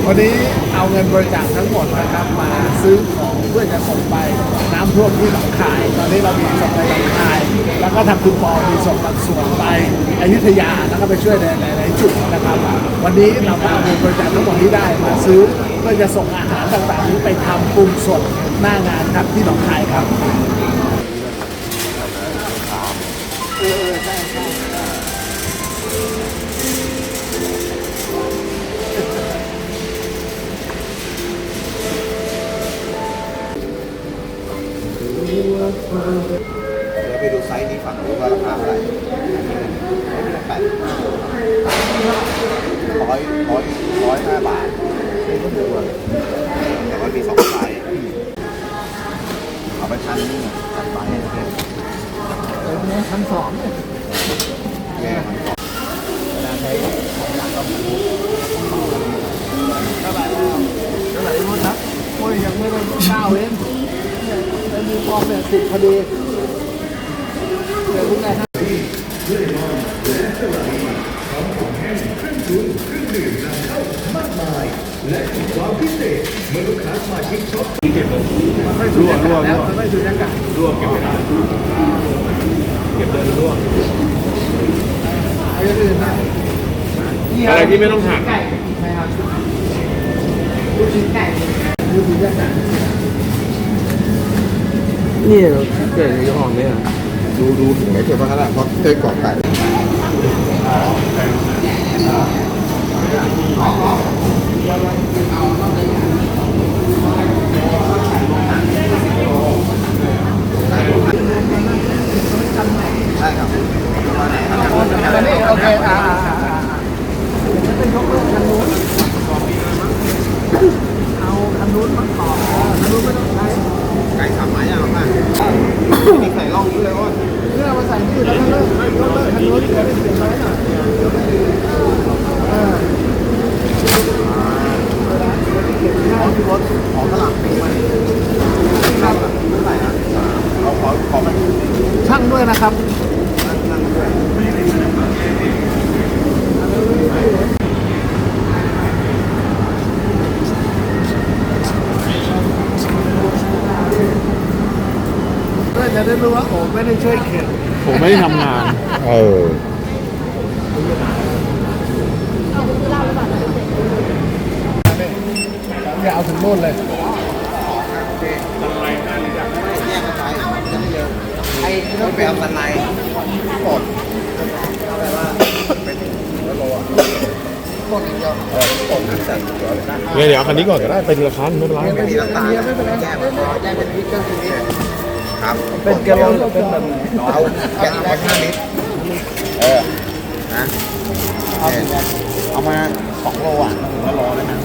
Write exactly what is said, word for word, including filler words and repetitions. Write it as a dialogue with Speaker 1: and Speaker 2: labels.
Speaker 1: วันนี้เอาเงินบริจาคทั้งหมดนะครับมาซื้อของเพื่อจะส่งไปน้ำท่วมที่หนองคายตอนนี้เรามีส่งไปหนองคายแล้วก็ทำคุณปอมีส่งบางส่วนไปอยุธยาแล้วก็ไปช่วยในหลายๆจุดนะครับวันนี้เราเอาเงินบริจาคทั้งหมดที่ได้มาซื้อเพื่อจะส่งอาหารต่างๆนี้ไปทำปรุงสดหน้างานครับที่หนองคายครับเออใช่ใช่
Speaker 2: เดี๋ยวไปดูไซส์นี้ฝั่งรู้ว่าราคาเท่าไหร่แปดร้อยร้อยร้อยห้าบาทนี่ก็ดูเลยแต่ว่ามีสองไซส์เอาไปพันนี่พันใบนะครับ
Speaker 1: เนี่ยชั้นสองเนี่ย
Speaker 2: แม่พันสอง
Speaker 1: เวลาใช้ของหลักก็มีเท่าไหร่แล้วเท่าไหร่รู้ครับโอ้ยยังไม่ได้เก้าเองแล้วมีฟองเนี่ยสิบพอดีเดี๋ยวคุณนายฮะ
Speaker 3: และความพิเศษเมื่อลูกค้าสมาชิกช็อปเก็บเลย
Speaker 1: รั่วรั่วแล้วไม่สุญญากาศ
Speaker 3: รั่วเก็บไม่ได้เก็บเดินรั่ว
Speaker 1: อะไรอื่นนะ
Speaker 3: อะไรที่ไม่ต้องหัก
Speaker 1: ไก่ใช่ครับลูกชิ้นไก่ลูกชิ้นย่างไก่
Speaker 4: นี่เราเกิดในห้องเนี่ย
Speaker 2: ดูดูถึงไหนเก็บไว้ขนาดเพราะเคยกรอกไก่ใช่ครับ
Speaker 1: อันนี้โอเคอ่าอ่าอ่าจะเป็นยกเลิกคันนู้นเอาคันนู้นมาต่อคันนู้นไม่ต้องใช้
Speaker 2: ไก่ทำหมายอย่างไรมีไก่ล่องนี้เลยว่า
Speaker 1: เพื่อมาใส่ที่แล้วก็เลิกยกเลิกคันนู้นจะได้เสียน้อยหน่อยเออค่าที่รถ
Speaker 2: ของตลาดปีมันครับเท่าไหร่นะเราขอขอมัน
Speaker 1: ช่างด้วยนะครับ
Speaker 2: นั่งนั่งด้วย
Speaker 1: เพื่อจะได้รู้ว่าโอ้ไม่ได้ช่วยเข็น
Speaker 4: ผมไม่ได้ทำงาน
Speaker 2: เออ
Speaker 1: อย่าเอาถึงโน่นเลย
Speaker 2: แยกกันไปจะได้เร็วไอ้ที่ต้องไปเอาสันในกดแปลว่าเป็นร้อยโลอ่ะกดอย่างเดียวเออกดนั่นเสร็จเดี๋ยวเลยนะ
Speaker 4: เดี๋ยวเดี๋ยวคันนี้ก่อนก็ได้เป็นราคาไม่เป็นไร
Speaker 2: ไม่มีน้ำตาลไม่เป็นไรแยกมันแยกเป็นลิตรก็คือลิตรครับ
Speaker 1: เป็นแกลลอนเป็นแบบ
Speaker 2: เอาแกะมาห้าลิตรเออนะเอามาสองโลอ่ะถึงละโลแล้วนะ